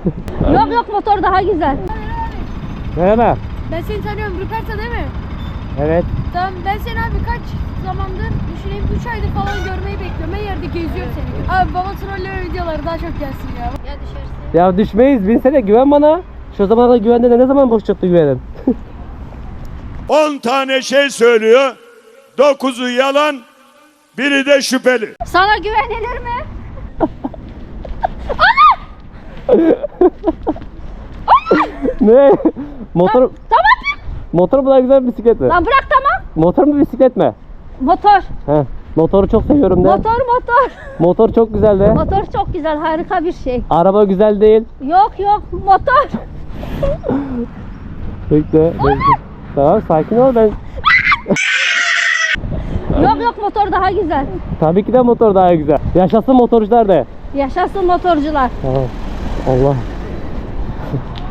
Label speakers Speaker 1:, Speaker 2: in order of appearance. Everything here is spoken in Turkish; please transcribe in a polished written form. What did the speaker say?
Speaker 1: Yok yok, motor daha güzel.
Speaker 2: Merhaba.
Speaker 3: Ben seni tanıyorum, Ruperta değil mi?
Speaker 2: Evet.
Speaker 3: Tamam, ben seni abi kaç zamandır, düşüneyim 3 aydır falan görmeyi bekliyorum. Her yerde geziyorum seni. Abi baba trolleme videoları daha çok gelsin ya. Ya düşersin.
Speaker 2: Ya düşmeyiz. Binsene, güven bana. Şu zamana güvende de ne zaman boş çıktı güvenin?
Speaker 4: 10 tane şey söylüyor. 9'u yalan, biri de şüpheli.
Speaker 1: Sana güvenilir mi?
Speaker 2: Ne? Motor,
Speaker 1: Tamam.
Speaker 2: motor mu daha güzel, bisiklet mi?
Speaker 1: Lan bırak, tamam.
Speaker 2: Motor mu bisiklet mi?
Speaker 1: Motor.
Speaker 2: Heh. Motoru çok seviyorum de.
Speaker 1: Motor.
Speaker 2: Motor çok güzel de.
Speaker 1: Motor çok güzel, harika bir şey.
Speaker 2: Araba güzel değil.
Speaker 1: Yok motor.
Speaker 2: Bekle. Tamam, sakin ol ben.
Speaker 1: Yok motor daha güzel.
Speaker 2: Tabii ki de motor daha güzel. Yaşasın motorcular de.
Speaker 1: Yaşasın motorcular.
Speaker 2: Tamam. Allah.